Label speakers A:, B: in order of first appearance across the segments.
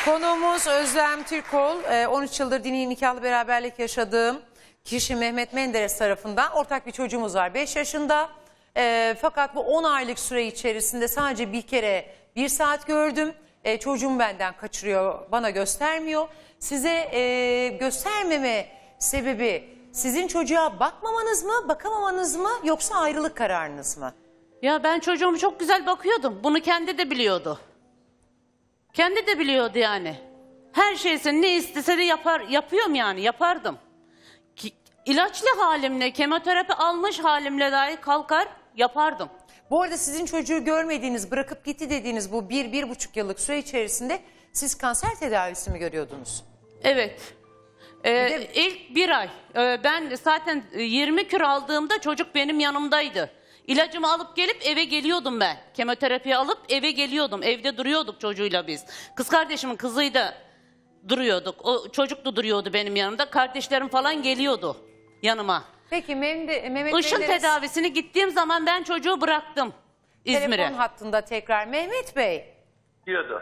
A: Konuğumuz Özlem Türkol. 13 yıldır dini nikahlı beraberlik yaşadığım kişi Mehmet Menderes tarafından ortak bir çocuğumuz var. 5 yaşında. Fakat bu 10 aylık süre içerisinde sadece bir kere 1 saat gördüm. Çocuğum benden kaçırıyor, bana göstermiyor. Size göstermeme sebebi sizin çocuğa bakmamanız mı, bakamamanız mı, yoksa ayrılık kararınız mı?
B: Ya ben çocuğumu çok güzel bakıyordum. Bunu kendi de biliyordu. Kendi de biliyordu yani. Her şeysini ne istese de yapıyorum yani, yapardım. İlaçlı halimle, kemoterapi almış halimle dahi kalkar yapardım.
A: Bu arada sizin çocuğu görmediğiniz, bırakıp gitti dediğiniz bu 1-1,5 yıllık süre içerisinde siz kanser tedavisi mi görüyordunuz?
B: Evet. İlk 1 ay. Ben zaten 20 kür aldığımda çocuk benim yanımdaydı. İlacımı alıp gelip eve geliyordum ben. Kemoterapiyi alıp eve geliyordum. Evde duruyorduk çocuğuyla biz. Kız kardeşimin kızıyla duruyorduk. O çocuk da duruyordu benim yanımda. Kardeşlerim falan geliyordu yanıma.
A: Peki Mehmet
B: Işın
A: Menderes,
B: tedavisini gittiğim zaman ben çocuğu bıraktım İzmir'e.
A: telefon hattında tekrar. Mehmet Bey,
C: diyordu.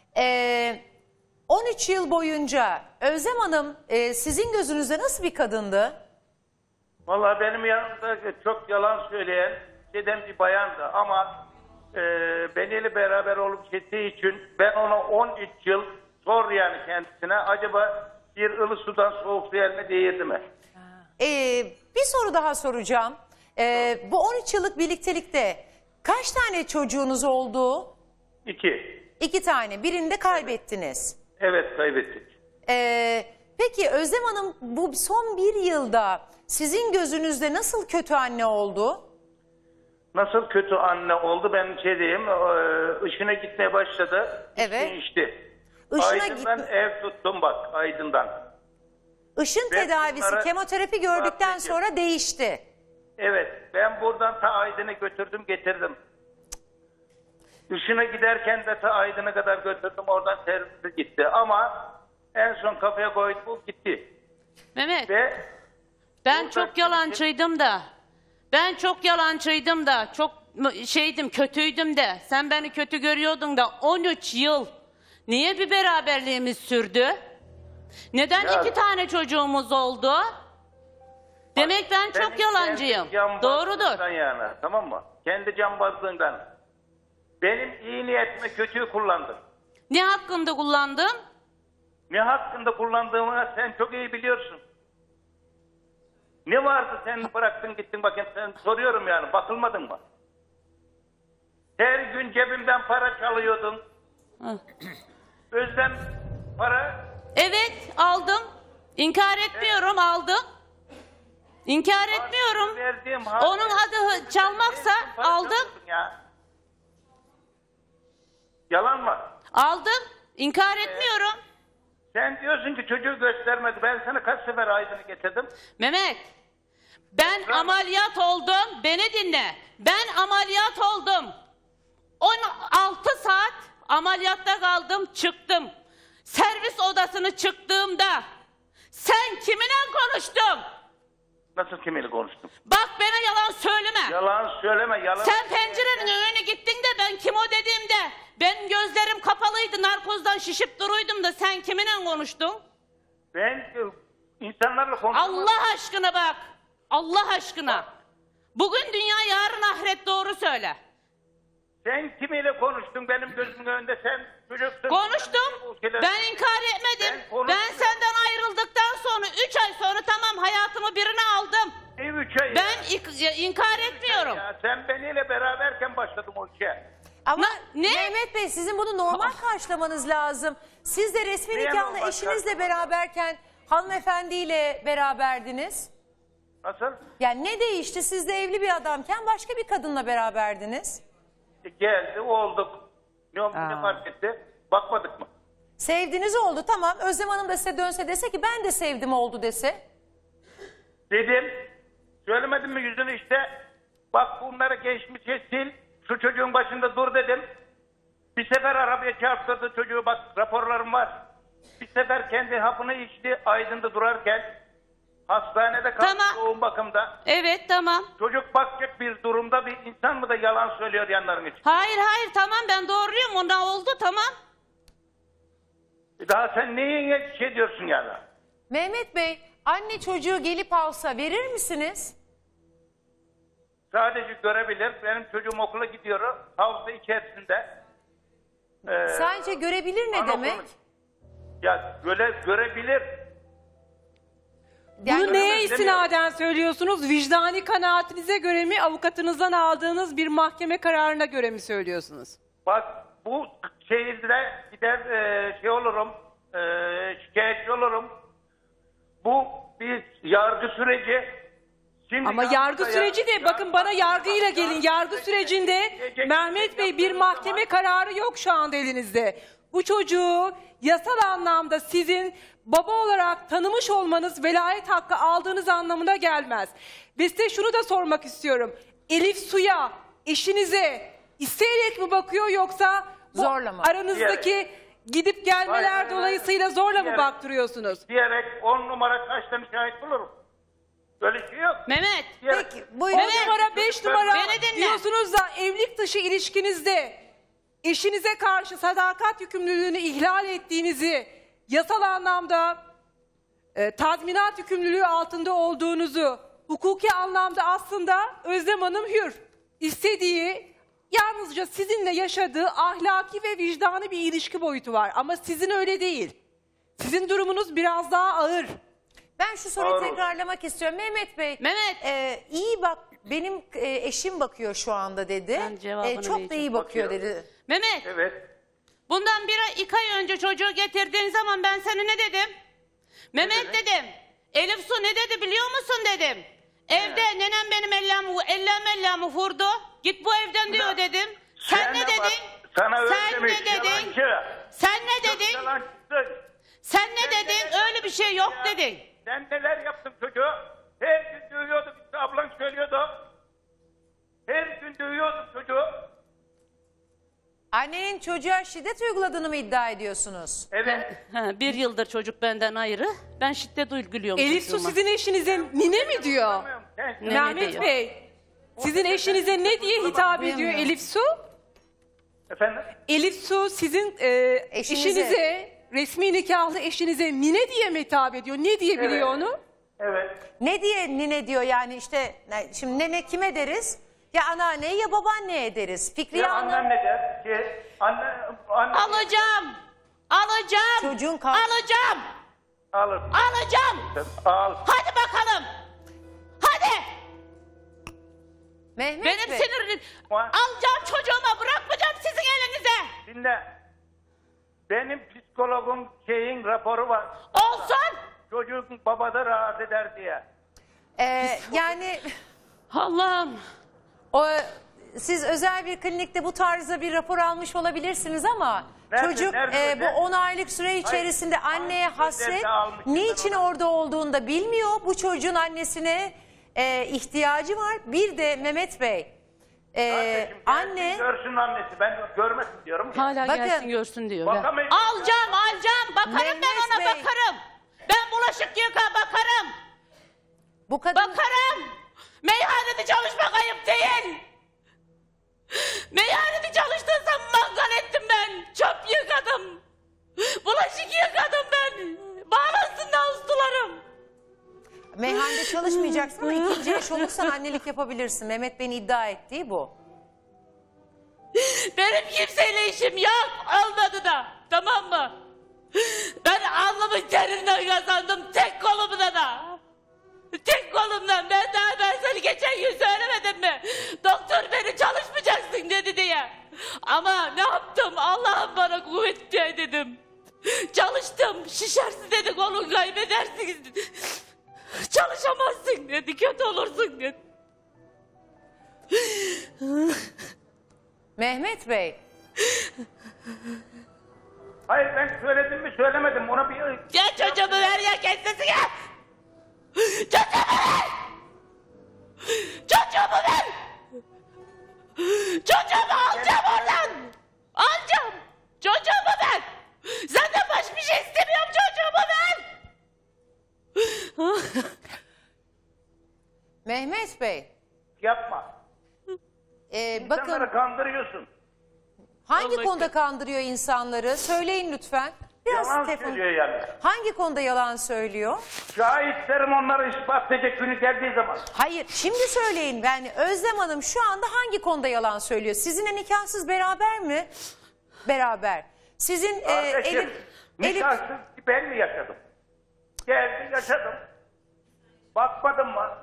A: 13 yıl boyunca Özlem Hanım sizin gözünüzde nasıl bir kadındı?
C: Vallahi benim yanımda çok yalan söyleyen bir bayandı ama beniyle beraber olup gittiği için ben ona 13 yıl sor yani kendisine, acaba bir ılık sudan soğuk su eline değirdi mi?
A: Bir soru daha soracağım. Bu 13 yıllık birliktelikte kaç tane çocuğunuz oldu?
C: 2.
A: 2 tane. Birini de kaybettiniz.
C: Evet, kaybettik.
A: Peki Özlem Hanım bu son 1 yılda sizin gözünüzde nasıl kötü anne oldu?
C: Nasıl kötü anne oldu, ben diyeyim, Işın'a gitmeye başladı.
A: Evet.
C: İçti.
A: Işın'a
C: Aydın'dan ev tuttum bak, Aydın'dan.
A: Işın
C: Ve
A: tedavisi,
C: bunlara
A: kemoterapi gördükten
C: bahsedeceğim.
A: sonra değişti.
C: Evet, ben buradan ta Aydın'ı götürdüm getirdim. Işın'a giderken de ta Aydın'a kadar götürdüm, oradan servisi gitti. Ama en son kafaya koydu, bu gitti.
B: Mehmet,
C: Ve
B: ben
C: burada
B: çok yalancıydım da. Ben çok yalancıydım da. Çok kötüydüm de. Sen beni kötü görüyordun da 13 yıl. Niye bir beraberliğimiz sürdü? Neden
C: Ya,
B: 2 tane çocuğumuz oldu? Demek ben çok
C: senin
B: yalancıyım.
C: kendi cambazlığından
B: Doğrudur.
C: Yani, tamam mı? Kendi cambazlığından. Benim iyi niyetimi kötüyü kullandın.
B: Ne hakkında kullandım?
C: Ne hakkında kullandığımı sen çok iyi biliyorsun. Ne vardı sen bıraktın gittin, bakayım sen soruyorum yani, bakılmadın mı? Her gün cebimden para çalıyordun.
B: Hı.
C: Özlem para...
B: Evet, aldım. İnkar etmiyorum, aldım. İnkar etmiyorum.
C: Verdiğim
B: Onun adı çalmaksa
C: para
B: aldım.
C: çalıyordun ya. Yalan mı?
B: Aldım. İnkar etmiyorum.
C: Sen diyorsun ki çocuğu göstermedi. Ben sana kaç sefer Aydın'ı getirdim.
B: Mehmet, ben ameliyat oldum. Beni dinle. Ben ameliyat oldum. 16 saat ameliyatta kaldım, çıktım. Servis odasını çıktığımda sen kiminle konuştun?
C: Nasıl kiminle konuştum?
B: Bak bana yalan söyleme.
C: Yalan söyleme, yalan.
B: Sen pencerenin önüne gittin de ben kim o dediğimde benim gözlerim kapalıydı, narkozdan şişip duruydum da sen kiminle konuştun?
C: Ben insanlarla konuştum.
B: Allah aşkına bak. Allah aşkına. Bugün dünya, yarın ahiret, doğru söyle.
C: Sen kimiyle konuştun benim gözümün önünde, sen çocuksun.
B: Konuştum. Ben inkar etmedim. Ben senden ayrıldıktan sonra 3 ay sonra tamam hayatımı birine aldım.
C: Ne 3 ay
B: Ben inkar etmiyorum.
C: ya? Sen beniyle beraberken başladım o işe.
A: Ama
B: Ne?
A: Mehmet Bey, sizin bunu normal karşılamanız lazım. Siz de resmi
C: Niye
A: nikahlı
C: normal
A: eşinizle
C: karşılamak?
A: beraberken hanımefendiyle beraberdiniz.
C: Nasıl?
A: Yani ne değişti? Siz de evli bir adamken başka bir kadınla beraberdiniz.
C: Geldi, olduk. Ne fark etti? Bakmadık mı?
A: Sevdiniz oldu, tamam. Özlem Hanım da size dönse dese ki ben de sevdim oldu dese.
C: Dedim. Söylemedim mi yüzünü işte? Bak bunları geçmişe sil. Şu çocuğun başında dur dedim. Bir sefer arabaya çarptırdı çocuğu, bak raporlarım var. Bir sefer kendi hapını içti Aydın'da durarken. Hastanede kaldı,
B: Tamam.
C: yoğun bakımda.
B: Evet, tamam.
C: Çocuk bakacak bir durumda bir insan mı da yalan söylüyor yanların için?
B: Hayır tamam, ben doğruyum, ona oldu, tamam.
C: Daha sen neyin şey diyorsun yani?
A: Mehmet Bey, anne çocuğu gelip alsa verir misiniz?
C: Sadece görebilir. Benim çocuğum okula gidiyor. Havuzda içerisinde.
A: Sadece görebilir ne
C: anaokulu-
A: demek?
C: Ya görebilir.
A: Yani-
D: Bunu neye
C: Demiyorum.
D: istinaden söylüyorsunuz? Vicdani kanaatinize göre mi, avukatınızdan aldığınız bir mahkeme kararına göre mi söylüyorsunuz?
C: Bak bu şehirde gider şey olurum. Şikayetçi olurum. Bu bir yargı süreci. Şimdi
D: Ama yargı süreci de bakın bana yargıyla gelin. Yargı sürecinde Mehmet Bey bir mahkeme kararı yok şu anda elinizde. Bu çocuğu yasal anlamda sizin baba olarak tanımış olmanız velayet hakkı aldığınız anlamına gelmez. Ve size şunu da sormak istiyorum. Elif Su'ya, eşinize isteyerek mi bakıyor yoksa bu
A: Zorla mı?
D: aranızdaki gidip gelmeler
C: Hayır,
D: dolayısıyla zorla mı
C: diyerek.
D: baktırıyorsunuz?
C: diyerek 10 numara kaçtan şahit bulurum. Böyle şey yok.
B: Mehmet.
C: Diyerek.
A: Peki,
D: 10
A: buyurun.
D: numara 5 numara
B: Beni dinle.
D: diyorsunuz da evlilik dışı ilişkinizde eşinize karşı sadakat yükümlülüğünü ihlal ettiğinizi, yasal anlamda tazminat yükümlülüğü altında olduğunuzu, hukuki anlamda aslında Özlem Hanım hür. İstediği yalnızca sizinle yaşadığı ahlaki ve vicdani bir ilişki boyutu var. Ama sizin öyle değil. Sizin durumunuz biraz daha ağır.
A: Ben şu soruyu
C: Doğru.
A: tekrarlamak istiyorum. Mehmet Bey,
B: Mehmet.
A: iyi bak, benim eşim bakıyor şu anda dedi.
B: Ben cevabını
A: Çok da
B: vereceğim.
A: iyi bakıyor
C: Bakıyor.
A: dedi.
B: Mehmet.
C: Evet.
B: Bundan 2 ay önce çocuğu getirdiğin zaman ben sana ne dedim? Mehmet dedim. Elif Su ne dedi biliyor musun dedim. Evde nenem benim ellerimi vurdu. Git bu evden diyor dedim. Sen ne
C: Bak,
B: dedin?
C: sana öyle
B: Sen
C: demiş,
B: ne dedin?
C: yalancı.
B: Sen ne dedin?
C: Yalancısın.
B: Sen ne dedin? Öyle bir şey yok dedin.
C: Sen neler yaptın çocuğu? Her gün dövüyordum. İşte ablan söylüyordu. Her gün dövüyordum çocuğu.
A: Annenin çocuğa şiddet uyguladığını mı iddia ediyorsunuz?
C: Evet.
B: 1 yıldır çocuk benden ayrı. Ben şiddet uyguluyorum
D: Elif Su
B: çocuğuma.
D: sizin eşinize nine mi diyor?
C: Sen-
B: Ne
D: Mehmet
B: diyor?
D: Bey, sizin eşinize ne diye hitap ediyor
A: Duyamıyorum.
D: Elif Su?
C: Efendim?
D: Elif Su sizin
A: Eşinize.
D: eşinize, resmi nikahlı eşinize nine diye mi hitap ediyor? Ne diye biliyor
C: Evet.
D: onu?
C: Evet.
A: Ne diye nine diyor yani işte şimdi nene kime deriz? Ya anneanneye ya babaanneye deriz. Fikriye
C: Ya
A: Hanım
C: annem ne der? Anne
B: Alacağım. Alacağım.
A: Çocuğun
B: Alacağım.
C: alır.
B: Alacağım.
C: Al.
B: Hadi bakalım. Hadi.
A: Mehmet
B: Benim
A: Bey.
B: sinirim.
C: Var.
B: Alacağım çocuğuma, bırakmayacağım sizin elinize.
C: Dinle. Benim psikologun raporu var.
B: Olsun.
C: Çocuğun babada rahat eder diye.
A: Yani
B: Allah'ım.
A: siz özel bir klinikte bu tarzda bir rapor almış olabilirsiniz ama
C: Nerede,
A: çocuk
C: nerede,
A: bu 10 aylık süre içerisinde anneye
C: hangi
A: hasret,
C: sözlerde almışsın
A: niçin
C: ben onu?
A: orada olduğunu da bilmiyor. Bu çocuğun annesine ihtiyacı var. Bir de Mehmet Bey,
C: Kardeşim,
A: anne
C: gelsin görsün annesi. Ben görmesin diyorum.
B: Hala
A: Bakın.
B: gelsin görsün diyor.
C: Bakamayın.
B: Alacağım. Bakarım ben
A: Mehmet
B: ona
A: Bey.
B: bakarım. Ben bulaşık yıka bakarım.
A: bu kadın
B: Bakarım. Meyhanede çalışmak ayıp değil. Meyhanede çalıştıysam mangal ettim ben. Çöp yıkadım. Bulaşık yıkadım ben. Bağlansın da ustalarım.
A: meyhanede çalışmayacaksın ama ikinci eş olursan annelik yapabilirsin. Mehmet Bey'in iddia ettiği bu.
B: Benim kimseyle işim yok. Olmadı da. Tamam mı? Ben alnımın terinden kazandım. Tek kolumda da. Tek kolumdan. Ben seni geçen gün söylemedim mi? Doktor beni çalışmayacaksın dedi diye. Ama ne yaptım? Allah'ım bana kuvvet ver dedim. Çalıştım. Şişersin dedi, kolun kaybedersin dedi. Çalışamazsın dedi. Kötü olursun dedi.
A: Mehmet Bey,
C: Hayır ben söyledim mi söylemedim. Ona bir...
B: Ya çocuğumu ver ya kendisi gel. Çocuğumu ver. Çocuğumu ver. Çocuğumu alacağım oradan. Alacağım. Çocuğumu ver. Senden başka bir şey istemiyorum, çocuğumu ver.
A: Mehmet Bey,
C: Yapma.
A: bakın
C: İnsanları kandırıyorsun.
A: hangi
B: Allah
A: konuda kandırıyor insanları? Söyleyin lütfen. Biraz
C: Yalan
A: telefon.
C: söylüyor yani.
A: Hangi konuda yalan söylüyor?
C: Şahitlerim onları ispat edecek günü geldiği zaman.
A: Hayır, şimdi söyleyin. Ben Özlem Hanım şu anda hangi konuda yalan söylüyor? Sizinle nikahsız beraber mi? Beraber. Sizin
C: Kardeşim,
A: Elif
C: nikahsız ben mi yaşadım? Geldim yaşadım. Bakmadım mı?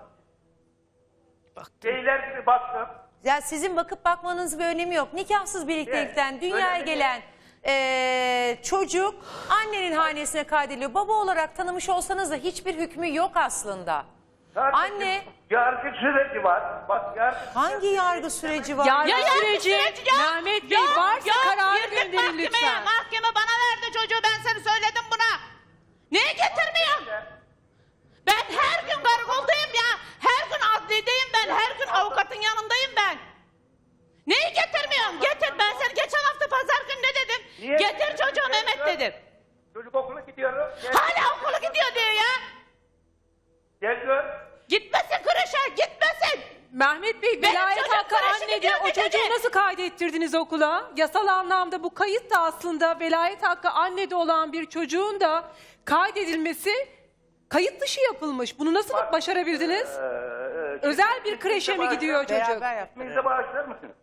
C: Beyler gibi baktım.
A: ya sizin bakıp bakmanızın bir önemi yok. Nikahsız birliktelikten
C: Evet,
A: dünyaya
C: öyle mi?
A: gelen çocuk annenin hanesine kaydediliyor. Baba olarak tanımış olsanız da hiçbir hükmü yok aslında.
C: Kardeşim,
A: Anne
C: yargı süreci var. Bak yargı
A: hangi yargı süreci var?
D: Yargı
B: Ya
D: süreci,
B: süreci ya.
D: Mehmet Bey,
B: Ya,
D: varsa
B: ya,
D: kararı
B: girdik
D: gönderin
B: mahkemeye.
D: lütfen.
B: Mahkeme bana verdi çocuğu, ben seni söyledim buna. Niye getirmiyorsun? Ben her gün karakoldayım ya. Her gün adliyedeyim ben. Her gün avukatın yanındayım ben. Neyi getirmiyorsun? Getir, ben seni geçen hafta pazar günü ne dedim?
C: Niye?
B: Getir çocuğu Mehmet dedim.
C: Çocuk okula gidiyor. Gel,
B: Hala okula gidiyor diyor ya.
C: gel gör.
B: Gitmesin kreşe, gitmesin.
D: Mehmet Bey,
B: Benim
D: velayet
B: çocuğum
D: hakkı
B: kreşe
D: annede.
B: gidiyor
D: O
B: bir
D: çocuğu
B: dedi.
D: nasıl kaydettirdiniz okula? Yasal anlamda bu kayıt da aslında velayet hakkı annede olan bir çocuğun da kaydedilmesi kayıt dışı yapılmış. Bunu nasıl başarabildiniz? Özel bir kreşe mi gidiyor çocuk?
A: Beraber yaptı.
C: İsminizi bağışlar mısınız?